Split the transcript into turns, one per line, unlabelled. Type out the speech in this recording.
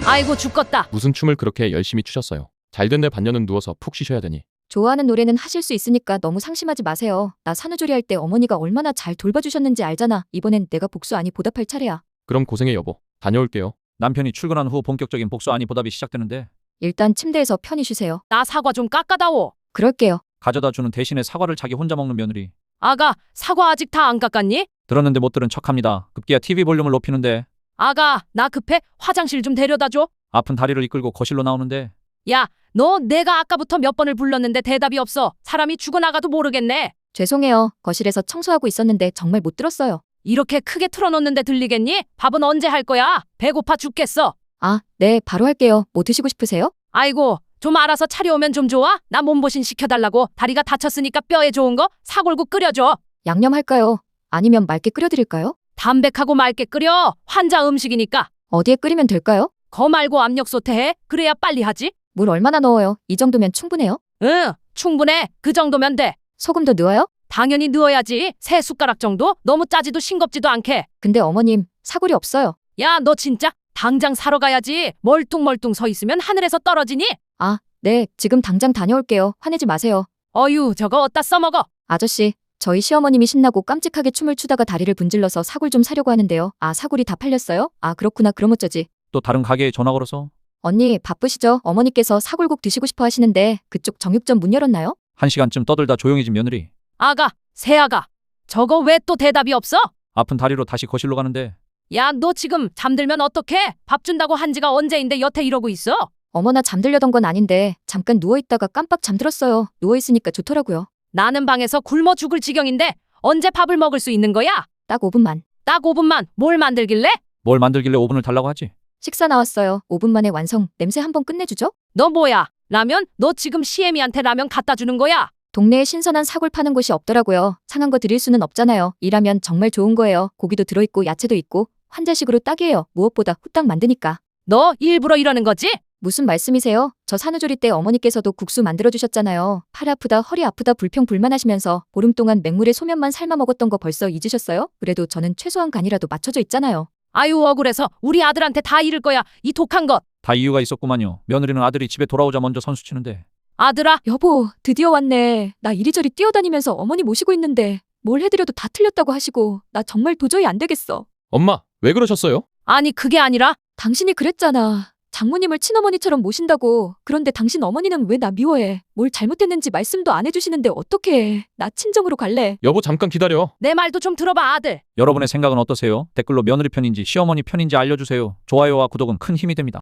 아이고 죽겠다.
무슨 춤을 그렇게 열심히 추셨어요? 잘된 내 반년은 누워서 푹 쉬셔야 되니.
좋아하는 노래는 하실 수 있으니까 너무 상심하지 마세요. 나 산후조리 할 때 어머니가 얼마나 잘 돌봐주셨는지 알잖아. 이번엔 내가 복수 아니 보답할 차례야.
그럼 고생해 여보. 다녀올게요.
남편이 출근한 후 본격적인 복수 아니 보답이 시작되는데
일단 침대에서 편히 쉬세요.
나 사과 좀 깎아다오.
그럴게요.
가져다 주는 대신에 사과를 자기 혼자 먹는 며느리.
아가 사과 아직 다 안 깎았니?
들었는데 못 들은 척합니다. 급기야 TV 볼륨을 높이는데
아가 나 급해 화장실 좀 데려다줘.
아픈 다리를 이끌고 거실로 나오는데
야 너 내가 아까부터 몇 번을 불렀는데 대답이 없어. 사람이 죽어나가도 모르겠네.
죄송해요. 거실에서 청소하고 있었는데 정말 못 들었어요.
이렇게 크게 틀어놓는데 들리겠니? 밥은 언제 할 거야? 배고파 죽겠어.
아, 네, 바로 할게요. 뭐 드시고 싶으세요?
아이고 좀 알아서 차려오면 좀 좋아? 나 몸보신 시켜달라고. 다리가 다쳤으니까 뼈에 좋은 거 사골국 끓여줘.
양념할까요? 아니면 맑게 끓여드릴까요?
담백하고 맑게 끓여. 환자 음식이니까.
어디에 끓이면 될까요?
거 말고 압력 소태해. 그래야 빨리 하지.
물 얼마나 넣어요? 이 정도면 충분해요?
응 충분해. 그 정도면 돼.
소금도 넣어요?
당연히 넣어야지. 3숟가락 정도? 너무 짜지도 싱겁지도 않게.
근데 어머님, 사골이 없어요.
야 너 진짜 당장 사러 가야지. 멀뚱멀뚱 서 있으면 하늘에서 떨어지니?
아, 네, 지금 당장 다녀올게요. 화내지 마세요.
어휴 저거 어디다 써먹어.
아저씨, 저희 시어머님이 신나고 깜찍하게 춤을 추다가 다리를 분질러서 사골 좀 사려고 하는데요. 아, 사골이 다 팔렸어요? 아, 그렇구나. 그럼 어쩌지?
또 다른 가게에 전화 걸어서
언니, 바쁘시죠? 어머니께서 사골국 드시고 싶어 하시는데 그쪽 정육점 문 열었나요?
1시간쯤 떠들다 조용해진 며느리.
아가 새아가 저거 왜 또 대답이 없어?
아픈 다리로 다시 거실로 가는데
야 너 지금 잠들면 어떡해? 밥 준다고 한 지가 언제인데 여태 이러고 있어?
어머나 잠들려던 건 아닌데 잠깐 누워있다가 깜빡 잠들었어요. 누워있으니까 좋더라고요.
나는 방에서 굶어 죽을 지경인데 언제 밥을 먹을 수 있는 거야?
딱 5분만.
딱 5분만 뭘 만들길래?
뭘 만들길래 5분을 달라고 하지?
식사 나왔어요. 5분 만에 완성. 냄새 한번 끝내주죠?
너 뭐야? 라면? 너 지금 시애미한테 라면 갖다 주는 거야?
동네에 신선한 사골 파는 곳이 없더라고요. 상한 거 드릴 수는 없잖아요. 이라면 정말 좋은 거예요. 고기도 들어있고 야채도 있고 환자식으로 딱이에요. 무엇보다 후딱 만드니까.
너 일부러 이러는 거지?
무슨 말씀이세요? 저 산후조리 때 어머니께서도 국수 만들어주셨잖아요. 팔 아프다 허리 아프다 불평불만하시면서 보름 동안 맹물에 소면만 삶아 먹었던 거 벌써 잊으셨어요? 그래도 저는 최소한 간이라도 맞춰져 있잖아요.
아유 억울해서 우리 아들한테 다 잃을 거야. 이 독한 것.
다 이유가 있었구만요. 며느리는 아들이 집에 돌아오자 먼저 선수 치는데
아들아
여보, 드디어 왔네. 나 이리저리 뛰어다니면서 어머니 모시고 있는데 뭘 해드려도 다 틀렸다고 하시고 나 정말 도저히 안 되겠어.
엄마, 왜 그러셨어요?
아니 그게 아니라
당신이 그랬잖아. 장모님을 친어머니처럼 모신다고. 그런데 당신 어머니는 왜 나 미워해? 뭘 잘못했는지 말씀도 안 해주시는데 어떡해. 나 친정으로 갈래.
여보 잠깐 기다려.
내 말도 좀 들어봐 아들.
여러분의 생각은 어떠세요? 댓글로 며느리 편인지 시어머니 편인지 알려주세요. 좋아요와 구독은 큰 힘이 됩니다.